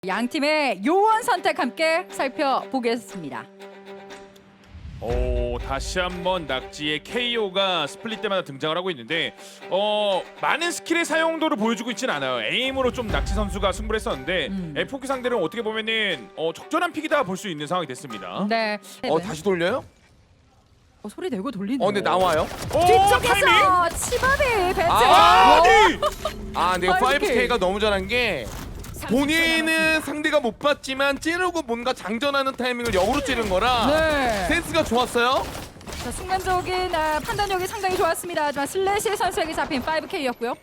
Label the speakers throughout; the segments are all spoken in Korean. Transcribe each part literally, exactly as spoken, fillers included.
Speaker 1: 양 팀의 요원 선택 함께 살펴보겠습니다.
Speaker 2: 오, 다시 한번 낙지의 케이오가 스플릿 때마다 등장을 하고 있는데 어 많은 스킬의 사용도를 보여주고 있진 않아요. 에임으로 좀 낙지 선수가 승부를 했었는데
Speaker 1: 음.
Speaker 2: 에프오케이 상대는 어떻게 보면은 어, 적절한 픽이다 볼 수 있는 상황이 됐습니다.
Speaker 1: 네.
Speaker 3: 어 다시 돌려요?
Speaker 1: 어, 소리 내고 돌리네.
Speaker 3: 어 근데 나와요?
Speaker 2: 오,
Speaker 1: 뒤쪽에서 치밥이 배트.
Speaker 3: 아,
Speaker 2: 아니!
Speaker 3: 아 근데
Speaker 1: 파이브
Speaker 3: 파이브 케이가 너무 잘한 게 본인은 상대가 못 봤지만 찌르고 뭔가 장전하는 타이밍을 역으로 찌른 거라
Speaker 1: 네.
Speaker 3: 센스가 좋았어요.
Speaker 1: 자, 순간적인 아, 판단력이 상당히 좋았습니다. 하지만 슬래시 선수에게 잡힌 파이브 케이였고요.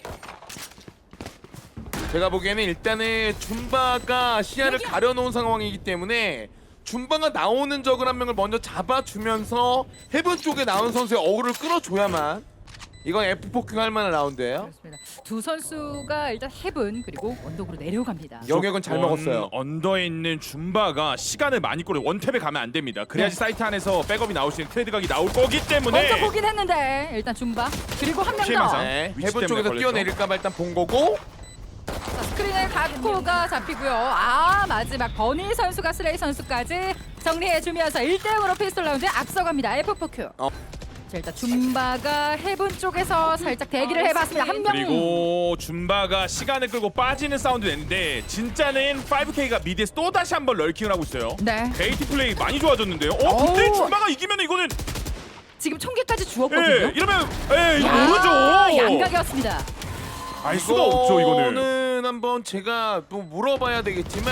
Speaker 3: 제가 보기에는 일단은 줌바가 시야를 가려놓은 상황이기 때문에 줌바가 나오는 적을 한 명을 먼저 잡아주면서 헤븐 쪽에 나온 선수의 어그를 끌어줘야만 이건 에프오케이 할 만한 라운드예요.
Speaker 1: 그렇습니다. 두 선수가 일단 헤븐 그리고 언덕으로 내려갑니다.
Speaker 3: 영역은 잘 먹었어요.
Speaker 2: 언더에 있는 줌바가 시간을 많이 끌어 원탭에 가면 안 됩니다. 그래야지
Speaker 1: 네.
Speaker 2: 사이트 안에서 백업이 나올 수 있는 트레이드 각이 나올 거기 때문에
Speaker 1: 먼저 보긴 했는데 일단 줌바 그리고 한 명
Speaker 2: 피해망상.
Speaker 1: 더.
Speaker 3: 네,
Speaker 2: 위치
Speaker 3: 헤븐
Speaker 2: 때문에
Speaker 3: 쪽에서
Speaker 2: 걸렸죠.
Speaker 3: 뛰어내릴까봐 일단 본 거고
Speaker 1: 자, 스크린에 가코가 잡히고요. 아 마지막 버니 선수가 슬레이 선수까지 정리해주면서 일 대 영으로 피스톨 라운드에 앞서갑니다. 에프오케이.
Speaker 3: 어.
Speaker 1: 자 일단 줌바가 헤븐 쪽에서 살짝 대기를 해봤습니다. 한 명.
Speaker 2: 그리고 줌바가 시간을 끌고 빠지는 사운드 냈는데 진짜는 파이브 케이가 미드에서 또 다시 한번 럴킹을 하고 있어요.
Speaker 1: 네.
Speaker 2: 베이티 플레이 많이 좋아졌는데요. 어 근데
Speaker 1: 어우.
Speaker 2: 줌바가 이기면 이거는
Speaker 1: 지금 총기까지
Speaker 2: 예
Speaker 1: 주었거든요.
Speaker 2: 이러면 예 이거
Speaker 1: 야,
Speaker 2: 모르죠.
Speaker 1: 양각이었습니다.
Speaker 2: 알 수가 없죠 이거는.
Speaker 3: 이거는 한번 제가 또 물어봐야 되겠지만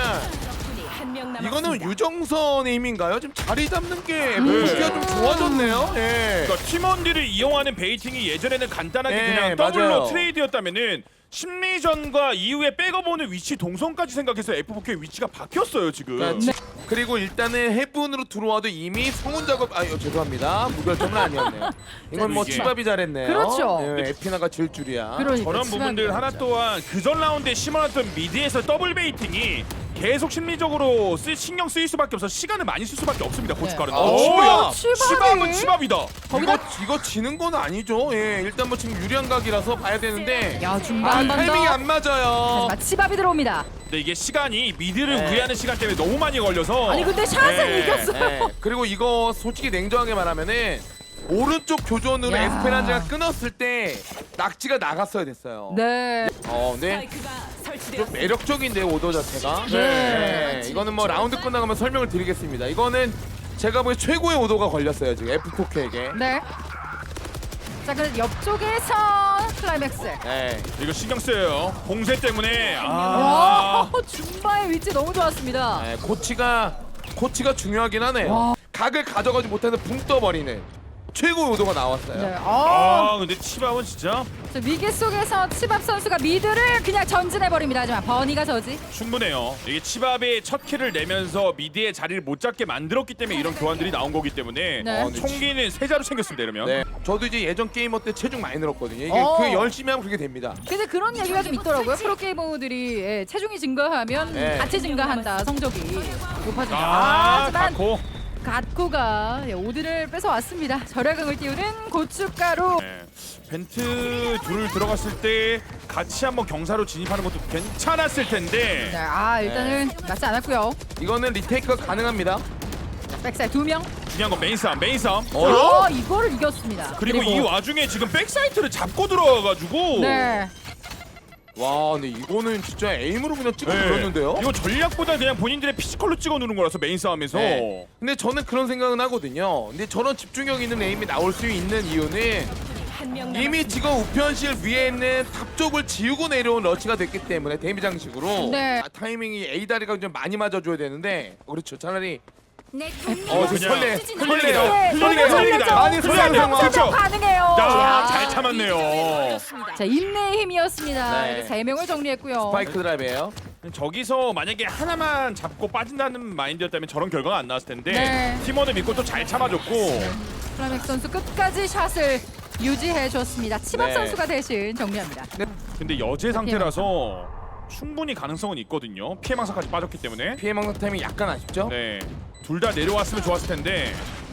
Speaker 3: 이거는 유정선의 힘인가요? 지금 자리 잡는 게
Speaker 1: 음.
Speaker 3: 에프오케이가 좀 좋아졌네요. 예.
Speaker 2: 그러니까 팀원들을 이용하는 베이팅이 예전에는 간단하게
Speaker 3: 네,
Speaker 2: 그냥 더블로
Speaker 3: 맞아요.
Speaker 2: 트레이드였다면은 심리전과 이후에 백업오는 위치 동선까지 생각해서 에프오케이 위치가 바뀌었어요 지금.
Speaker 3: 그러니까 지- 그리고 일단은 해븐으로 들어와도 이미 성운 작업 아 어, 죄송합니다 무결점은 아니었네요. 이건 뭐
Speaker 2: 이게-
Speaker 3: 치밥이 잘했네요.
Speaker 1: 그렇죠.
Speaker 3: 예, 에피나가 질 줄이야.
Speaker 1: 그러니까
Speaker 2: 저런
Speaker 1: 치밥이
Speaker 2: 부분들 하나
Speaker 1: 진짜.
Speaker 2: 또한 그전 라운드에 심어놨던 미드에서 더블 베이팅이 계속 심리적으로 쓰, 신경 쓰일 수밖에 없어 시간을 많이 쓸 수밖에 없습니다 고춧가루는.
Speaker 3: 어,
Speaker 2: 오, 야,
Speaker 1: 치밥이.
Speaker 2: 치밥은 치밥이다.
Speaker 1: 거기다
Speaker 3: 이거 이거 지는 건 아니죠. 예, 일단 뭐 지금 유리한 각이라서 봐야 되는데
Speaker 1: 야 줌바
Speaker 3: 아
Speaker 1: 한 번
Speaker 3: 타이밍이
Speaker 1: 더.
Speaker 3: 안 맞아요.
Speaker 1: 하지만 치밥이 들어옵니다.
Speaker 2: 근데 이게 시간이 미드를
Speaker 3: 네.
Speaker 2: 우회하는 시간 때문에 너무 많이 걸려서.
Speaker 1: 아니 근데 샷은
Speaker 2: 네.
Speaker 1: 이겼어요.
Speaker 3: 예, 그리고 이거 솔직히 냉정하게 말하면은 오른쪽 교전으로
Speaker 1: 야.
Speaker 3: 에스페란자가 끊었을 때 낙지가 나갔어야 됐어요.
Speaker 1: 네.
Speaker 3: 어, 근데 좀 매력적인데 오더 자체가.
Speaker 1: 네.
Speaker 3: 네. 이거는 뭐 라운드 끝나가면 설명을 드리겠습니다. 이거는 제가 보기엔 최고의 오더가 걸렸어요 지금 에프오케이에게.
Speaker 1: 네. 자, 그 옆쪽에서 클라이맥스.
Speaker 3: 네.
Speaker 2: 이거 신경 쓰여요. 공세 때문에. 아.
Speaker 1: 와, 줌바의 위치 너무 좋았습니다.
Speaker 3: 네, 코치가 코치가 중요하긴 하네요.
Speaker 1: 와.
Speaker 3: 각을 가져가지 못해서 붕 떠버리는 최고의 오더가 나왔어요.
Speaker 1: 네. 아,
Speaker 2: 아 근데 치밥은 진짜
Speaker 1: 저 위기 속에서 치밥 선수가 미드를 그냥 전진해 버립니다. 하지만 버니가 저지.
Speaker 2: 충분해요. 이게 치밥이 첫 킬을 내면서 미드의 자리를 못 잡게 만들었기 때문에 이런 교환들이 나온 거기 때문에
Speaker 1: 네.
Speaker 3: 어, 네.
Speaker 2: 총기는 세 자루 챙겼습니다 이러면.
Speaker 3: 네. 저도 이제 예전 게이머 때 체중 많이 늘었거든요. 이게
Speaker 1: 어.
Speaker 3: 그 열심히 하면 그렇게 됩니다.
Speaker 1: 근데 그런 얘기가 좀 있더라고요. 프로 게이머들이 예, 체중이 증가하면
Speaker 3: 네.
Speaker 1: 같이 증가한다. 성적이 높아진다.
Speaker 2: 아,
Speaker 1: 하지만
Speaker 2: 가코.
Speaker 1: 갓코가 예, 오드를 뺏어 왔습니다. 절약을 띄우는 고춧가루.
Speaker 2: 네. 벤트 둘을 들어갔을 때 같이 한번 경사로 진입하는 것도 괜찮았을 텐데.
Speaker 1: 네, 아 일단은 맞지 않았고요.
Speaker 3: 이거는 리테이크가 가능합니다.
Speaker 1: 자, 백사이드 두 명.
Speaker 2: 중요한 건 메인 싸움, 메인 싸움.
Speaker 1: 어, 이거를 이겼습니다.
Speaker 2: 그리고, 이 와중에 지금 백사이트를 잡고 들어와가지고.
Speaker 1: 네.
Speaker 3: 와, 근데 이거는 진짜 에임으로 그냥 찍어
Speaker 2: 네.
Speaker 3: 눌렀는데요.
Speaker 2: 이거 전략보다 그냥 본인들의 피지컬로 찍어 누른 거라서 메인 싸움에서.
Speaker 3: 네. 근데 저는 그런 생각은 하거든요. 근데 저런 집중력 있는 에임이 나올 수 있는 이유는 이미 지금 우편실 위에 있는 탑 쪽을 지우고 내려온 러시가 됐기 때문에 데미 장식으로
Speaker 1: 네.
Speaker 3: 아, 타이밍이 A 다리가 좀 많이 맞아줘야 되는데 어, 그렇죠. 차라리
Speaker 2: 어,
Speaker 3: 지금 설레,
Speaker 2: 흘립니다.
Speaker 1: 네,
Speaker 2: 흘립니다.
Speaker 1: 너무
Speaker 2: 흘립니다.
Speaker 1: 설레죠.
Speaker 3: 많이 설레는
Speaker 1: 설레
Speaker 3: 상황.
Speaker 1: 설명 가능해요.
Speaker 2: 야,
Speaker 1: 야.
Speaker 2: 잘 참았네요.
Speaker 1: 자, 인내의 힘이었습니다.
Speaker 3: 네.
Speaker 1: 이렇게 세 명을 정리했고요.
Speaker 3: 스파이크 드라이브예요.
Speaker 2: 저기서 만약에 하나만 잡고 빠진다는 마인드였다면 저런 결과가 안 나왔을 텐데
Speaker 1: 네.
Speaker 2: 팀원을 믿고 또 잘 참아줬고.
Speaker 1: 플라맥 선수 끝까지 샷을 유지해 줬습니다. 치밥
Speaker 3: 네.
Speaker 1: 선수가 대신 정리합니다.
Speaker 2: 근데 여제 상태라서 충분히 가능성은 있거든요. 피해망사까지 빠졌기 때문에.
Speaker 3: 피해 먹는 타이밍 약간 아쉽죠?
Speaker 2: 네. 둘 다 내려왔으면 좋았을 텐데.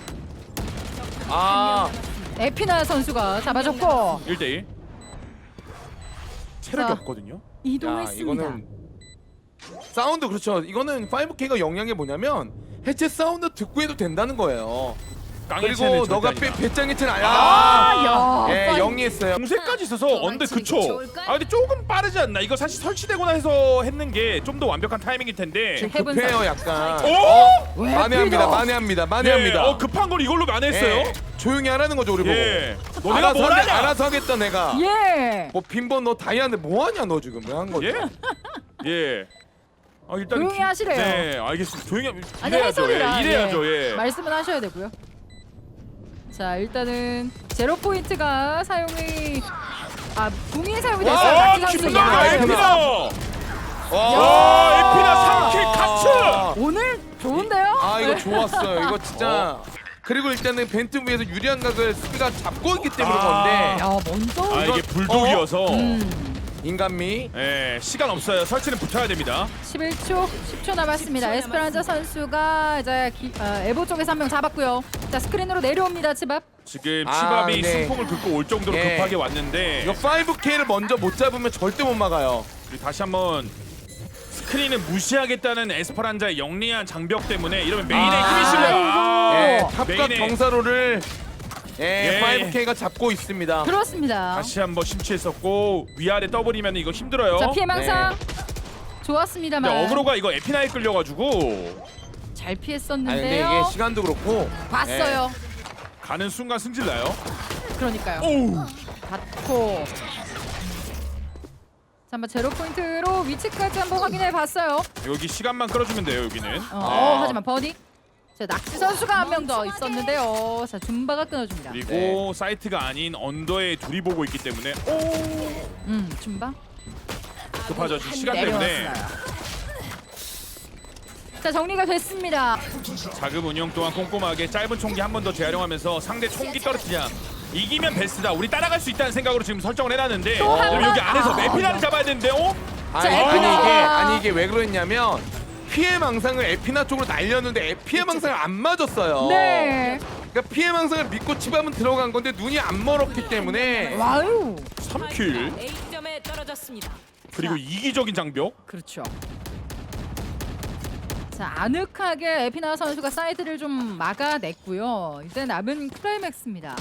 Speaker 3: 아,
Speaker 1: 에피나 선수가 잡아줬고
Speaker 2: 일 대 일. 체력이
Speaker 1: 자,
Speaker 2: 없거든요.
Speaker 3: 야,
Speaker 1: 이동했습니다.
Speaker 3: 이거는 사운드 그렇죠. 이거는 파이브케이가 영향이 뭐냐면 해체 사운드 듣고 해도 된다는 거예요. 그리고 너가 배, 배짱이 친 아야.
Speaker 1: 아, 야.
Speaker 3: 예, 영리했어요.
Speaker 2: 공세까지 있어서 언더 그쵸. 아 근데 조금 빠르지 않나? 이거 사실 설치되거나 해서 했는 게 좀 더 완벽한 타이밍일 텐데.
Speaker 1: 지금 해븐
Speaker 3: 급해요 약간.
Speaker 2: 오!
Speaker 1: 왜
Speaker 3: 만회합니다.
Speaker 1: 그래요?
Speaker 3: 만회합니다. 만회합니다.
Speaker 2: 예, 어 급한 걸 이걸로 만회했어요.
Speaker 3: 예, 조용히 하라는 거죠 우리
Speaker 2: 예.
Speaker 3: 보고.
Speaker 2: 너네가
Speaker 3: 알아서
Speaker 2: 뭘
Speaker 3: 하게-
Speaker 2: 하냐?
Speaker 3: 알아서 하겠다 내가.
Speaker 1: 예.
Speaker 3: 뭐 빈번 너 다이아인데 뭐 하냐 너 지금 왜 한 거지?
Speaker 2: 예? 예. 아 일단
Speaker 1: 조용히
Speaker 2: 기-
Speaker 1: 하시래요.
Speaker 2: 네, 알겠습니다. 조용히 하-
Speaker 1: 아니
Speaker 2: 이래야죠.
Speaker 1: 해설이라
Speaker 2: 예, 이래야죠. 예.
Speaker 1: 말씀은 하셔야 되고요. 자 일단은 제로 포인트가 사용이 아 붕이 사용이 됐어요.
Speaker 2: 와,
Speaker 1: 낙지 선수.
Speaker 2: 김나가
Speaker 1: 야,
Speaker 2: 에피나.
Speaker 3: 와,
Speaker 2: 와, 에피나 삼 킬 카츠.
Speaker 1: 오늘 좋은데요?
Speaker 3: 아 이거 좋았어요. 이거 진짜. 그리고 일단은 벤트 위에서 유리한 각을 수비가 잡고 있기 때문에
Speaker 2: 아.
Speaker 3: 그런데
Speaker 1: 야 먼저
Speaker 2: 아 이게 불독이어서
Speaker 1: 음,
Speaker 3: 인간미.
Speaker 2: 예, 시간 없어요. 설치는 붙어야 됩니다.
Speaker 1: 십일 초, 십 초 남았습니다. 에스페란자 선수가 이제 기, 어, 에보 쪽에서 한 명 잡았고요. 자 스크린으로 내려옵니다. 치밥.
Speaker 2: 지금
Speaker 3: 아,
Speaker 2: 치밥이
Speaker 3: 네.
Speaker 2: 승풍을 긁고 올 정도로
Speaker 3: 예.
Speaker 2: 급하게 왔는데
Speaker 3: 이거 파이브케이를 먼저 못 잡으면 절대 못 막아요.
Speaker 2: 그리고 다시 한번 스크린을 무시하겠다는 에스퍼란자의 영리한 장벽 때문에 이러면 메인에
Speaker 1: 아,
Speaker 2: 힘이 실려요. 아,
Speaker 3: 예,
Speaker 1: 어.
Speaker 3: 탑과
Speaker 2: 메인에-
Speaker 3: 경사로를 예,
Speaker 2: 예.
Speaker 3: 파이브케이가 잡고 있습니다.
Speaker 1: 그렇습니다.
Speaker 2: 다시 한번 심취했었고 위아래 더블이면 이거 힘들어요.
Speaker 1: 자 피해망상 좋았습니다만
Speaker 2: 근데 어그로가 이거 에피나에 끌려가지고
Speaker 1: 잘
Speaker 3: 아니 근데
Speaker 1: 피했었는데요.
Speaker 3: 이게 시간도 그렇고
Speaker 1: 봤어요.
Speaker 2: 가는 순간 승질나요.
Speaker 1: 그러니까요.
Speaker 2: 오우.
Speaker 1: 받고 자 한번 제로 포인트로 위치까지 한번 확인해 봤어요.
Speaker 2: 여기 시간만 끌어주면 돼요. 여기는.
Speaker 1: 어,
Speaker 3: 아.
Speaker 1: 어, 하지만 버디. 자 낙지 선수가 한 명 더 있었는데요. 자 줌바가 끊어줍니다.
Speaker 2: 그리고
Speaker 3: 네.
Speaker 2: 사이트가 아닌 언더에 둘이 보고 있기 때문에 오
Speaker 1: 음 줌바.
Speaker 2: 급하죠. 지금 시간 때문에
Speaker 1: 내려왔어요. 자 정리가 됐습니다.
Speaker 2: 자금 운영 동안 꼼꼼하게 짧은 총기 한 번 더 재활용하면서 상대 총기 떨어뜨리자. 이기면 베스트다. 우리 따라갈 수 있다는 생각으로 지금 설정을 해놨는데
Speaker 1: 또 한
Speaker 2: 그럼
Speaker 1: 번?
Speaker 2: 여기 안에서
Speaker 1: 아.
Speaker 2: 에피나를 잡아야 되는데 어?
Speaker 3: 아니,
Speaker 1: 자,
Speaker 3: 아니
Speaker 1: 에피나.
Speaker 3: 이게 아니 이게 왜 그랬냐면 피해 망상을 에피나 쪽으로 날렸는데 에- 피해 망상을 안 맞았어요.
Speaker 1: 네.
Speaker 3: 그러니까 피해 망상을 믿고 치밤은 들어간 건데 눈이 안 멀었기 때문에
Speaker 1: 와우.
Speaker 2: 삼 킬
Speaker 4: A점에 떨어졌습니다.
Speaker 2: 그리고 이기적인 장벽.
Speaker 1: 그렇죠. 자 아늑하게 에피나 선수가 사이드를 좀 막아냈고요. 이제 남은 클라이맥스입니다.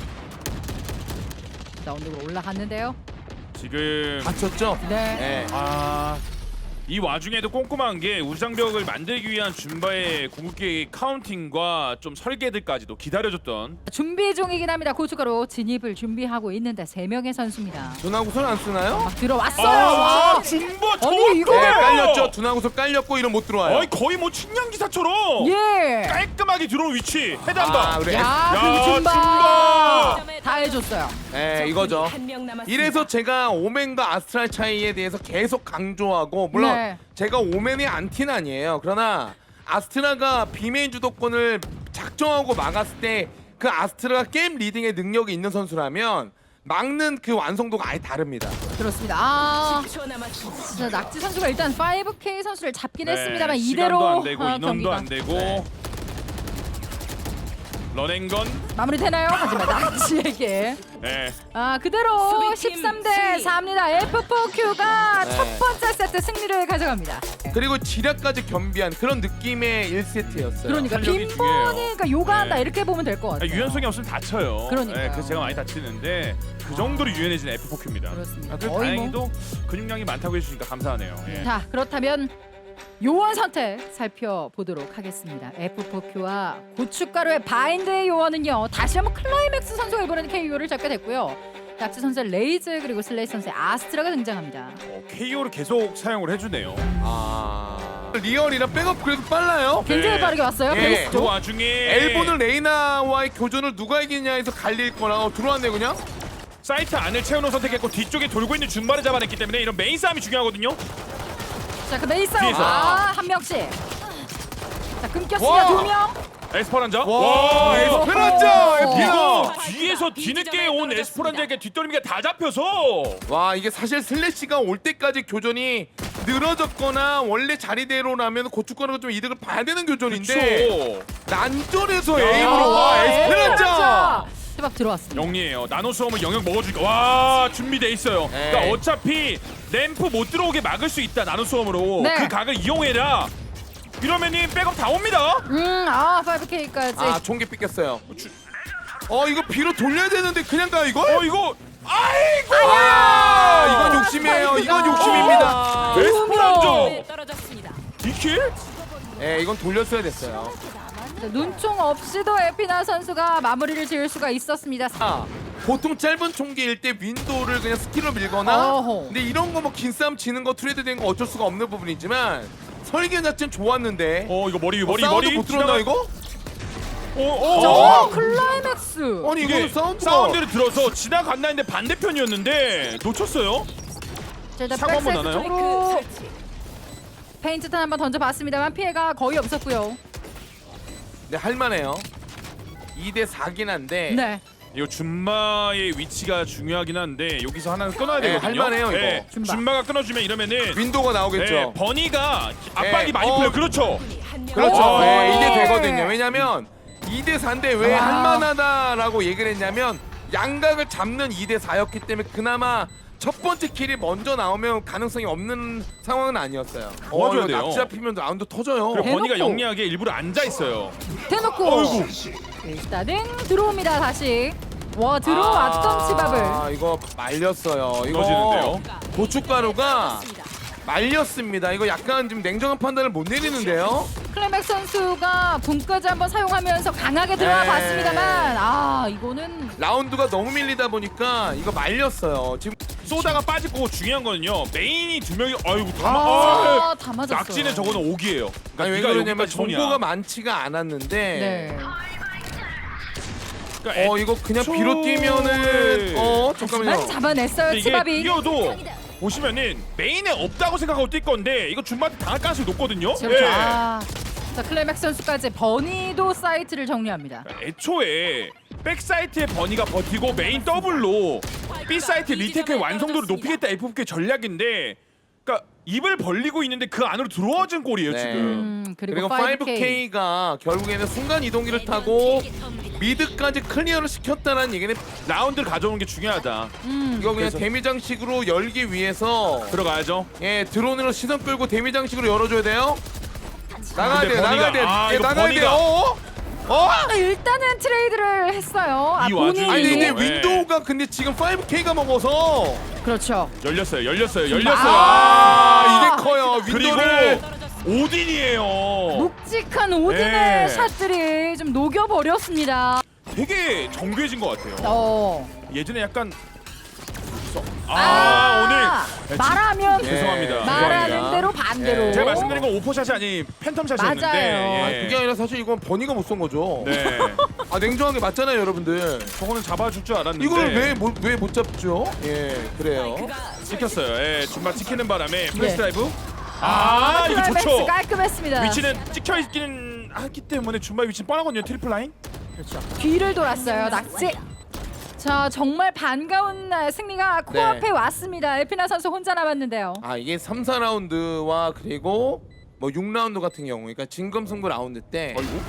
Speaker 1: 자 언덕으로 올라갔는데요.
Speaker 2: 지금
Speaker 3: 다쳤죠?
Speaker 1: 네.
Speaker 3: 네.
Speaker 2: 아, 이 와중에도 꼼꼼한 게 우장벽을 만들기 위한 줌바의 궁극기 카운팅과 좀 설계들까지도 기다려줬던
Speaker 1: 준비 중이긴 합니다. 고춧가루 진입을 준비하고 있는데 세 명의 선수입니다.
Speaker 3: 두나구슬 안 쓰나요?
Speaker 1: 막 들어왔어요.
Speaker 2: 아,
Speaker 1: 와.
Speaker 2: 줌바
Speaker 1: 아니,
Speaker 2: 좋은데!
Speaker 1: 이거-
Speaker 3: 네, 깔렸죠. 두나구슬 깔렸고 이런 못 들어와요.
Speaker 2: 어이 거의 뭐 측량 기사처럼
Speaker 1: 예.
Speaker 2: 깔끔하게 들어온 위치 헤드 한
Speaker 3: 아,
Speaker 2: 방.
Speaker 3: 그래.
Speaker 1: 야,
Speaker 2: 야,
Speaker 1: 그 줌바.
Speaker 2: 줌바.
Speaker 1: 다 해줬어요.
Speaker 3: 네, 이거죠.
Speaker 4: 한명 남았습니다.
Speaker 3: 이래서 제가 오맨과 아스트랄 차이에 대해서 계속 강조하고 물론
Speaker 1: 네.
Speaker 3: 제가 오맨이 안티는 아니에요. 그러나 아스트라가 비메인 주도권을 작정하고 막았을 때 그 아스트라가 게임 리딩의 능력이 있는 선수라면 막는 그 완성도가 아예 다릅니다.
Speaker 1: 그렇습니다. 아,
Speaker 4: 십 초 남았습니다.
Speaker 1: 진짜 낙지 선수가 일단 파이브 케이 선수를 잡긴
Speaker 2: 네,
Speaker 1: 했습니다만
Speaker 2: 시간도
Speaker 1: 이대로
Speaker 2: 안 되고
Speaker 1: 어,
Speaker 2: 인원도
Speaker 1: 경기가
Speaker 2: 안 되고
Speaker 3: 네.
Speaker 2: 런앤건
Speaker 1: 마무리되나요? 하지만 낙지에게
Speaker 2: 네.
Speaker 1: 아 그대로
Speaker 4: 수비팀
Speaker 1: 십삼 대
Speaker 4: 승리.
Speaker 1: 사입니다. 에프 포 큐가
Speaker 3: 네.
Speaker 1: 첫 번째 세트 승리를 가져갑니다.
Speaker 3: 그리고 지략까지 겸비한 그런 느낌의 일 세트였어요.
Speaker 1: 그러니까
Speaker 2: 탄력이
Speaker 1: 빈번이
Speaker 2: 중요해요.
Speaker 1: 그러니까 요가한다
Speaker 2: 네.
Speaker 1: 이렇게 보면 될 것
Speaker 2: 아,
Speaker 1: 같아요.
Speaker 2: 유연성이 없으면 다쳐요.
Speaker 1: 그러니까요.
Speaker 2: 네, 그래서 제가 많이 다치는데 그 정도로 유연해진 에프 포 큐입니다.
Speaker 1: 그렇습니다.
Speaker 2: 아, 그래도
Speaker 1: 거의 뭐.
Speaker 2: 다행히도 근육량이 많다고 해주시니까 감사하네요. 예.
Speaker 1: 자 그렇다면 요원 선택 살펴보도록 하겠습니다. 에프 포 큐와 고춧가루의 바인드의 요원은요 다시 한번 클라이맥스 선수가 이번에는 케이오를 잡게 됐고요. 낙지 선수의 레이즈 그리고 슬레이 선수의 아스트라가 등장합니다.
Speaker 2: 어, 케이오를 계속 사용을 해주네요.
Speaker 3: 아 리얼이랑 백업 그래도 빨라요.
Speaker 1: 굉장히
Speaker 2: 네.
Speaker 1: 빠르게 왔어요.
Speaker 3: 예.
Speaker 1: 베이스
Speaker 2: 그
Speaker 1: 쪽.
Speaker 2: 와중에
Speaker 3: 엘보는 레이나와의 교전을 누가 이기냐에서 갈릴 거라 어, 들어왔네 그냥.
Speaker 2: 사이트 안을 채우는 선택했고 뒤쪽에 돌고 있는 준바를 잡아냈기 때문에 이런 메인 싸움이 중요하거든요.
Speaker 1: 자, 그 베이스
Speaker 2: 뒤에서.
Speaker 1: 아, 한 명씩. 자, 끊겼습니다.
Speaker 3: 와.
Speaker 1: 두 명.
Speaker 2: 에스퍼란자.
Speaker 3: 와,
Speaker 2: 이거
Speaker 3: 에스페란자
Speaker 1: 어.
Speaker 3: 에피나.
Speaker 2: 이거 뒤에서 뒤늦게 온 에스퍼란자에게 뒷덜미가 다 잡혀서
Speaker 3: 와 이게 사실 슬래시가 올 때까지 교전이 늘어졌거나 원래 자리대로라면 고춧가루가 좀 이득을 봐야 되는 교전인데
Speaker 2: 그쵸.
Speaker 3: 난전에서
Speaker 2: 야,
Speaker 3: 에임으로 와 에스페란자.
Speaker 1: 치밥 들어왔습니다.
Speaker 2: 영리해요. 나노 수험을 영역 먹어주니까 와 준비돼 있어요.
Speaker 3: 네.
Speaker 2: 그러니까 어차피 램프 못 들어오게 막을 수 있다 나노 수험으로.
Speaker 1: 네.
Speaker 2: 그 각을 이용해라. 이러면이 백업 다 옵니다.
Speaker 1: 음, 아 파이브 케이까지.
Speaker 3: 아 총기 삐꼈어요. 어 이거 비로 돌려야 되는데 그냥 가 이거?
Speaker 2: 어 이거 아이고.
Speaker 3: 아 이건 욕심이에요. 이건 욕심입니다.
Speaker 1: 아,
Speaker 2: 에스퍼란자
Speaker 4: 네, 떨어졌습니다.
Speaker 2: 디킬?
Speaker 3: 예 이건 돌렸어야 됐어요.
Speaker 1: 자, 눈총 없이도 에피나 선수가 마무리를 지을 수가 있었습니다.
Speaker 3: 아, 보통 짧은 총기일 때 윈도우를 그냥 스킬로 밀거나
Speaker 1: 어허.
Speaker 3: 근데 이런 거 뭐 긴 싸움 지는 거 트레이드 된 거 어쩔 수가 없는 부분이지만 설계 자체는 좋았는데
Speaker 2: 어 이거 머리
Speaker 3: 어,
Speaker 2: 머리
Speaker 3: 사운드
Speaker 2: 머리
Speaker 3: 못 들었나
Speaker 2: 지나가-
Speaker 3: 이거?
Speaker 2: 어, 어,
Speaker 1: 어,
Speaker 2: 어.
Speaker 1: 클라이맥스.
Speaker 3: 아니
Speaker 2: 이게
Speaker 3: 이거 사운드가
Speaker 2: 사운드를 들어서 지나갔나 했는데 반대편이었는데 놓쳤어요.
Speaker 1: 자, 일단
Speaker 2: 사고 한번
Speaker 1: 백사이드
Speaker 2: 나나요?
Speaker 1: 쪽으로
Speaker 4: 마이크 설치.
Speaker 1: 페인트탄 한번 던져봤습니다만 피해가 거의 없었고요.
Speaker 3: 네 할만해요. 이 대 사긴 한데
Speaker 1: 네.
Speaker 2: 이거 줌마의 위치가 중요하긴 한데 여기서 하나는 끊어야
Speaker 3: 네,
Speaker 2: 되거든요.
Speaker 3: 할만해요, 이거.
Speaker 1: 줌마.
Speaker 2: 줌마가 끊어주면 이러면은
Speaker 3: 윈도우가 나오겠죠.
Speaker 2: 네, 버니가 압박이
Speaker 3: 네,
Speaker 2: 많이
Speaker 3: 어.
Speaker 2: 풀려. 그렇죠.
Speaker 4: 한 명.
Speaker 3: 그렇죠.
Speaker 2: 어.
Speaker 3: 네, 이게 되거든요. 왜냐면 이 대 사인데 왜
Speaker 1: 아.
Speaker 3: 할만하다라고 얘기를 했냐면 양각을 잡는 이 대 사였기 때문에 그나마 첫 번째 킬이 먼저 나오면 가능성이 없는 상황은 아니었어요.
Speaker 2: 도와줘야
Speaker 3: 이거
Speaker 2: 돼요.
Speaker 3: 납치 잡히면 라운드 터져요.
Speaker 2: 그리고
Speaker 1: 대놓고.
Speaker 2: 버니가 영리하게 일부러 앉아 있어요.
Speaker 1: 대놓고
Speaker 2: 어이구.
Speaker 1: 일단은 들어옵니다 다시. 와 들어왔던 치밥을.
Speaker 3: 아 이거 말렸어요. 이거
Speaker 2: 터지는데요.
Speaker 3: 고춧가루가 말렸습니다. 이거 약간 좀 냉정한 판단을 못 내리는데요.
Speaker 1: 클레맥 선수가 분까지 한번 사용하면서 강하게 들어가
Speaker 3: 네.
Speaker 1: 봤습니다만 아 이거는
Speaker 3: 라운드가 너무 밀리다 보니까 이거 말렸어요. 지금
Speaker 2: 쏘다가 빠질 거고 중요한 거는요. 메인이 두 명이 아이고 다
Speaker 3: 아,
Speaker 2: 아,
Speaker 1: 아, 다 맞았어요.
Speaker 2: 낙지는 적어는 옥이에요. 그러니까
Speaker 3: 아니 왜
Speaker 2: 네가
Speaker 3: 그러냐면
Speaker 2: 여기까지 손이야.
Speaker 3: 정보가 많지가 않았는데
Speaker 1: 네.
Speaker 2: 그러니까
Speaker 3: 어 이거 그냥
Speaker 2: 애초에-
Speaker 3: 비로 뛰면은 어 잠깐만요.
Speaker 1: 하지만 잡아냈어요
Speaker 2: 근데 이게
Speaker 1: 치밥이.
Speaker 2: 뛰어도 보시면은 메인에 없다고 생각하고 뛸 건데 이거 줌마한테 당할 가능성이 높거든요.
Speaker 1: 그렇죠.
Speaker 2: 예.
Speaker 1: 아, 자 클레맥 선수까지 버니도 사이트를 정리합니다.
Speaker 2: 애초에 백사이트의 버니가 버티고 메인 더블로 B사이트 리테크의 완성도를 높이겠다 에프오케이 전략인데 그러니까 입을 벌리고 있는데 그 안으로 들어와준 골이에요
Speaker 3: 네.
Speaker 2: 지금.
Speaker 1: 음, 그리고,
Speaker 3: 그리고
Speaker 1: 파이브 케이.
Speaker 3: 파이브 케이가 결국에는 순간 이동기를 타고 미드까지 클리어를 시켰다는 얘기는
Speaker 2: 라운드를 가져오는 게 중요하다.
Speaker 1: 음,
Speaker 3: 이거 그냥
Speaker 2: 그래서-
Speaker 3: 데미 장식으로 열기 위해서
Speaker 2: 들어가야죠.
Speaker 3: 예 드론으로 시선 끌고 데미 장식으로 열어줘야 돼요. 나가야
Speaker 2: 근데
Speaker 3: 돼요.
Speaker 2: 버니가-
Speaker 3: 나가야 돼요.
Speaker 2: 아,
Speaker 3: 예,
Speaker 2: 이거
Speaker 3: 나가야
Speaker 2: 버니가-
Speaker 3: 돼요. 어? 어?
Speaker 1: 아, 일단은 트레이드를 했어요. 아,
Speaker 2: 이
Speaker 1: 본인이.
Speaker 2: 와중에
Speaker 3: 아니 근데
Speaker 2: 네.
Speaker 3: 윈도우가 근데 지금 파이브 케이가 먹어서
Speaker 1: 그렇죠.
Speaker 2: 열렸어요. 열렸어요. 열렸어요.
Speaker 3: 아, 이게 커요.
Speaker 2: 그리고
Speaker 3: 윈도우를
Speaker 2: 오딘이에요.
Speaker 1: 묵직한 오딘의
Speaker 2: 네.
Speaker 1: 샷들이 좀 녹여버렸습니다.
Speaker 2: 되게 정교해진 것 같아요.
Speaker 1: 어.
Speaker 2: 예전에 약간 아, 오늘
Speaker 1: 말하면
Speaker 3: 예,
Speaker 2: 죄송합니다.
Speaker 1: 말하는
Speaker 3: 죄송합니다.
Speaker 1: 대로 반대로.
Speaker 3: 예.
Speaker 2: 제가 말씀드린 건 오포샷이 아닌 팬텀샷이었는데
Speaker 1: 맞아요.
Speaker 3: 아, 그게 아니라 사실 이건 버니가 못 쏜 거죠.
Speaker 2: 네.
Speaker 3: 아 냉정하게 맞잖아요, 여러분들.
Speaker 2: 저거는 잡아줄 줄 알았는데
Speaker 3: 이걸 왜 왜 못 잡죠? 예, 그래요.
Speaker 4: 마이크가
Speaker 2: 찍혔어요. 예, 줌마 찍히는 바람에 플래시
Speaker 1: 네.
Speaker 2: 드라이브. 아, 이거
Speaker 1: 클라이맥스
Speaker 2: 좋죠.
Speaker 1: 깔끔했습니다.
Speaker 2: 위치는 찍혀 있기는 하기 때문에 줌마 위치는 뻔하거든요. 트리플 라인.
Speaker 1: 그렇죠. 뒤를 돌았어요. 낙지. 자 정말 반가운 날 승리가 코앞에
Speaker 3: 네.
Speaker 1: 왔습니다. 에피나 선수 혼자 남았는데요.
Speaker 3: 아 이게 삼, 사 라운드와 그리고 뭐 육 라운드 같은 경우, 그러니까 진검승부 라운드 때,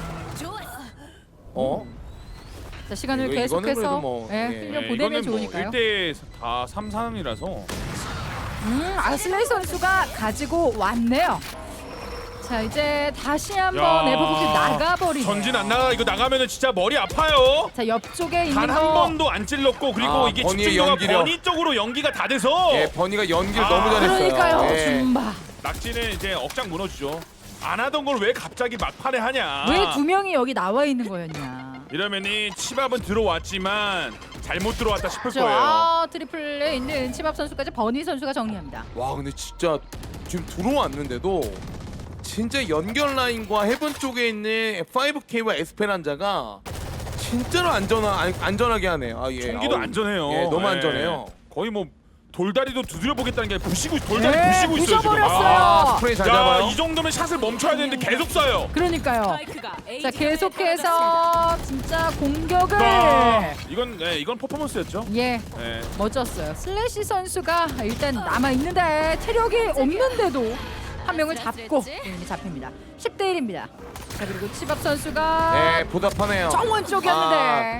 Speaker 3: 어?
Speaker 1: 자 시간을
Speaker 3: 이거- 이거는
Speaker 1: 계속해서
Speaker 3: 그래도 뭐,
Speaker 1: 예,
Speaker 3: 예.
Speaker 1: 흘려
Speaker 2: 네,
Speaker 1: 보내면
Speaker 2: 이거는 뭐
Speaker 1: 좋으니까요.
Speaker 2: 일 대 다 삼, 삼이라서
Speaker 1: 음, 아슬레이 선수가 가지고 왔네요. 자 이제 다시 한번 에버북이 나가버리네요.
Speaker 2: 전진 안 나가. 이거 나가면은 진짜 머리 아파요.
Speaker 1: 자 옆쪽에 있는
Speaker 2: 단 한
Speaker 1: 거
Speaker 2: 번도 안 찔렀고 그리고
Speaker 3: 아,
Speaker 2: 이게
Speaker 3: 버니의
Speaker 2: 집중도가
Speaker 3: 연기력.
Speaker 2: 버니 쪽으로 연기가 다 돼서
Speaker 3: 예, 버니가 연기를
Speaker 2: 아,
Speaker 3: 너무 잘했어요.
Speaker 1: 그러니까요.
Speaker 3: 예.
Speaker 1: 줌바.
Speaker 2: 낙지는 이제 억장 무너지죠. 안 하던 걸 왜 갑자기 막판에 하냐.
Speaker 1: 왜 두 명이 여기 나와 있는 거였냐.
Speaker 2: 이러면이 치밥은 들어왔지만 잘못 들어왔다 싶을
Speaker 1: 저
Speaker 2: 거예요.
Speaker 1: 아, 트리플에 있는 치밥 선수까지 버니 선수가 정리합니다.
Speaker 3: 와 근데 진짜 지금 들어왔는데도 진짜 연결 라인과 해븐 쪽에 있는 파이브 케이와 에스페란자가 진짜로 안전하 안- 안전하게 하네요. 아, 예.
Speaker 2: 총기도
Speaker 3: 아우,
Speaker 2: 안전해요.
Speaker 3: 예, 너무
Speaker 2: 예.
Speaker 3: 안전해요.
Speaker 2: 거의 뭐 돌다리도 두드려 보겠다는 게 부시고 돌다리
Speaker 1: 네,
Speaker 2: 부시고 있어요 지금.
Speaker 1: 부셔버렸어요.
Speaker 3: 아, 스프레이 잘
Speaker 2: 야,
Speaker 3: 잡아요.
Speaker 2: 이 정도면 샷을 멈춰야 되는데 계속 쏴요.
Speaker 1: 그러니까요.
Speaker 4: 마이크가 A
Speaker 1: 자
Speaker 4: 지점에 떨어졌습니다.
Speaker 1: 계속해서 진짜 공격을
Speaker 2: 아, 이건 네, 이건 퍼포먼스였죠.
Speaker 1: 예
Speaker 2: 네.
Speaker 1: 멋졌어요. 슬래시 선수가 일단 남아 있는데 체력이 없는데도 한 명을 잡고 이미 잡힙니다. 십 대 일입니다. 자 그리고 치밥 선수가
Speaker 3: 네, 보답하네요.
Speaker 1: 정원 쪽이었는데
Speaker 3: 아,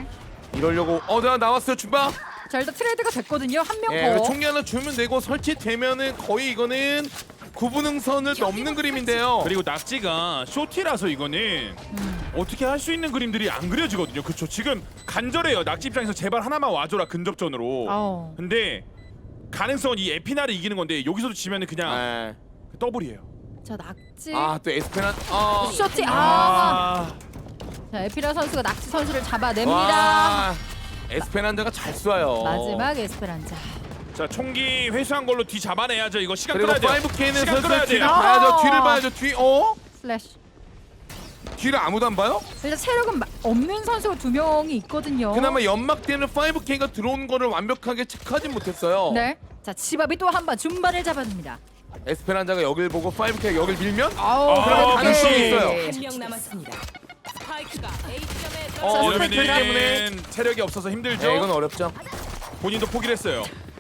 Speaker 3: 이러려고 어, 나 나왔어요 준바.
Speaker 1: 자 일단 트레이드가 됐거든요. 한 명
Speaker 3: 예,
Speaker 1: 더.
Speaker 3: 총기 하나 주면 되고 설치되면은 거의 이거는 구분응선을 넘는 그림인데요.
Speaker 2: 그리고 낙지가 쇼티라서 이거는
Speaker 1: 음.
Speaker 2: 어떻게 할 수 있는 그림들이 안 그려지거든요. 그쵸? 지금 간절해요. 낙지 입장에서 제발 하나만 와줘라 근접전으로.
Speaker 1: 어.
Speaker 2: 근데 가능성은 이 에피나를 이기는 건데 여기서도 지면은 그냥
Speaker 3: 예.
Speaker 2: 더블이에요.
Speaker 1: 자 낙지.
Speaker 3: 아또 에스페란. 아.
Speaker 1: 쇼티. 아.
Speaker 2: 아,
Speaker 1: 자 에피라 선수가 낙지 선수를 잡아냅니다.
Speaker 3: 와. 에스페란자가 잘 쏴요.
Speaker 1: 마지막 에스페란자.
Speaker 2: 자 총기 회수한 걸로 뒤 잡아내야죠. 이거 시간
Speaker 3: 그리고
Speaker 2: 끌어야 돼요.
Speaker 3: 파이브 케이는
Speaker 2: 시간 끌어야
Speaker 3: 슬슬 뒤를
Speaker 2: 돼요.
Speaker 1: 아.
Speaker 3: 봐야죠. 뒤를 봐야죠. 뒤. 어?
Speaker 1: 슬래시.
Speaker 3: 뒤를 아무도 안 봐요?
Speaker 1: 일단 체력은 마- 없는 선수가 두 명이 있거든요.
Speaker 3: 그나마 연막대는 파이브 케이가 들어온 거를 완벽하게 체크하진 못했어요.
Speaker 1: 네. 자 치밥이 또 한 번 준바를 잡아냅니다.
Speaker 3: 에스페란자가 여길 보고 파이브 케이가 여길 밀면
Speaker 1: 아우
Speaker 2: 아,
Speaker 1: 그럼
Speaker 3: 가능성이 있어요.
Speaker 4: 한 명 남았습니다. 스파이크가 A점에
Speaker 3: 어,
Speaker 4: 떨어졌습니다.
Speaker 3: 이러면
Speaker 2: 이러면은
Speaker 3: 때문에.
Speaker 2: 체력이 없어서 힘들죠.
Speaker 3: 네, 이건 어렵죠.
Speaker 2: 본인도 포기를 했어요.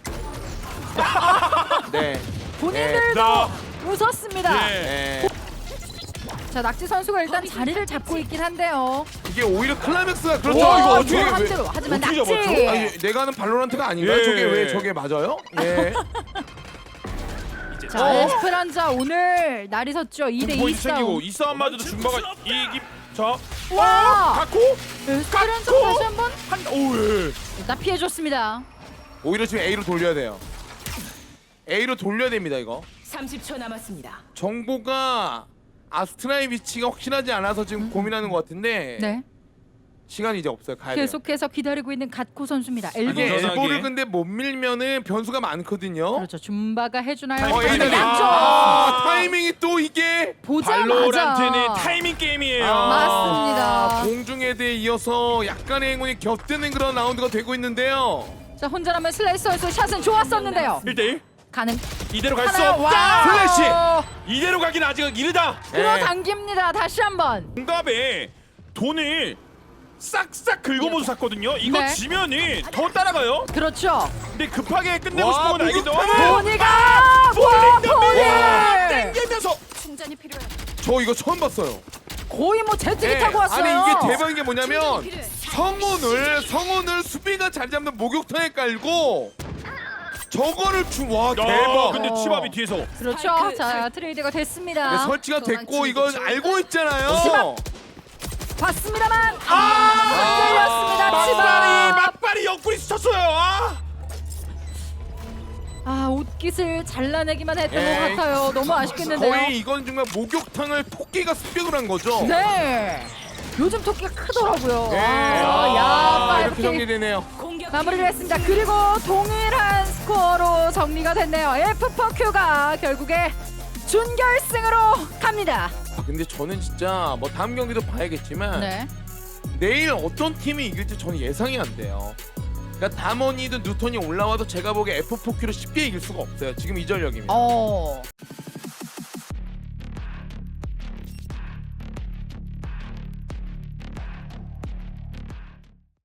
Speaker 3: 네.
Speaker 1: 본인들도
Speaker 2: 나-
Speaker 1: 웃었습니다.
Speaker 2: 예.
Speaker 3: 네.
Speaker 1: 자 낙지 선수가 일단 자리를 잡고 있긴 한데요.
Speaker 3: 이게 오히려 클라이맥스가 그렇죠.
Speaker 2: 와,
Speaker 3: 이거
Speaker 2: 이거
Speaker 3: 어떻게
Speaker 1: 한
Speaker 3: 왜-
Speaker 1: 대로. 하지만
Speaker 2: 어떻게
Speaker 1: 낙지.
Speaker 2: 잡았죠?
Speaker 3: 아니, 내가 하는 발로란트가 아닌가요?
Speaker 2: 예.
Speaker 3: 저게 왜 저게 맞아요? 예.
Speaker 1: 자
Speaker 3: 어?
Speaker 1: 에스페란자 오늘 날이 섰죠. 이 대 이
Speaker 2: 포인트 챙기고
Speaker 1: 싸움.
Speaker 2: 이 싸움마저도 준바가 이기. 자,
Speaker 1: 와
Speaker 2: 갖고
Speaker 1: 에스페란자
Speaker 2: 갖고!
Speaker 1: 다시 한번
Speaker 2: 한 오. 예.
Speaker 1: 일단 피해줬습니다.
Speaker 3: 오히려 지금 A로 돌려야 돼요. A로 돌려야 됩니다, 이거.
Speaker 4: 삼십 초 남았습니다.
Speaker 3: 정보가 아스트라의 위치가 확실하지 않아서 지금 고민하는 것 같은데
Speaker 1: 네.
Speaker 3: 시간이 이제 없어요. 가야 돼요.
Speaker 1: 계속해서 기다리고 있는 갓코 선수입니다.
Speaker 3: 이게
Speaker 1: 엘보.
Speaker 2: 안전하게.
Speaker 3: 엘보를 근데 못 밀면은 변수가 많거든요.
Speaker 1: 그렇죠. 준바가 해주나요?
Speaker 2: 어,
Speaker 1: 하지만
Speaker 2: A는
Speaker 1: 양쪽
Speaker 3: 아, 타이밍이 또 이게
Speaker 1: 보자마자
Speaker 2: 발로란트는 타이밍 게임이에요.
Speaker 3: 아,
Speaker 1: 맞습니다.
Speaker 3: 공중에대에 이어서 약간의 행운이 겹드는 그런 라운드가 되고 있는데요.
Speaker 1: 자 혼자라면 슬래시 선수 샷은 좋았었는데요.
Speaker 2: 일 대 일.
Speaker 1: 가능.
Speaker 2: 이대로 갈 수
Speaker 1: 하나
Speaker 2: 없다.
Speaker 1: 와.
Speaker 2: 플래시. 이대로 가긴 아직 이르다.
Speaker 1: 끌어당깁니다. 다시 한번.
Speaker 2: 응답에 돈을 싹싹 긁어모서 샀거든요. 이거
Speaker 1: 네.
Speaker 2: 지면은 더 따라가요.
Speaker 1: 그렇죠.
Speaker 2: 근데 급하게 끝내고
Speaker 3: 와,
Speaker 2: 싶은 건 알겠죠.
Speaker 3: 목욕탕을!
Speaker 1: 보니가 와
Speaker 2: 와,
Speaker 1: 보니
Speaker 2: 땡기면서
Speaker 1: 충전이 필요해.
Speaker 3: 저 이거 처음 봤어요.
Speaker 1: 거의 뭐 제트기
Speaker 3: 네,
Speaker 1: 타고 왔어요.
Speaker 3: 아니 이게 대박인 게 뭐냐면 성운을 성운을 수비가 자리 잡는 목욕탕에 깔고 저거를 주와
Speaker 2: 야,
Speaker 3: 대박.
Speaker 2: 근데 치밥이 뒤에서
Speaker 1: 그렇죠.
Speaker 4: 스파이크
Speaker 1: 자
Speaker 4: 설-
Speaker 1: 트레이드가 됐습니다.
Speaker 3: 네, 설치가 됐고 이건 알고 있잖아요.
Speaker 1: 치밥. 봤습니다만 아 끌렸습니다.
Speaker 2: 막발이
Speaker 1: 치밥.
Speaker 2: 막발이 옆구리 스쳤어요. 아!
Speaker 1: 아 옷깃을 잘라내기만 했던
Speaker 3: 에이,
Speaker 1: 것 같아요. 너무 아쉽겠는데요.
Speaker 3: 거의 이건 정말 목욕탕을 토끼가 습격을 한 거죠.
Speaker 1: 네. 요즘 토끼가 크더라고요.
Speaker 3: 네.
Speaker 1: 아, 야,
Speaker 3: 아,
Speaker 1: 파이브
Speaker 3: 이렇게
Speaker 1: 킥
Speaker 3: 정리되네요.
Speaker 4: 공격
Speaker 1: 마무리를 했습니다. 그리고 동일한 스코어로 정리가 됐네요. 에프 포 큐가 결국에 준결승으로 갑니다.
Speaker 3: 아, 근데 저는 진짜 뭐 다음 경기도 봐야겠지만
Speaker 1: 네.
Speaker 3: 내일 어떤 팀이 이길지 저는 예상이 안 돼요. 그러니까 다머니든 뉴턴이 올라와도 제가 보기에 에프 포 큐를 쉽게 이길 수가 없어요. 지금 이 전력이면.
Speaker 1: 어.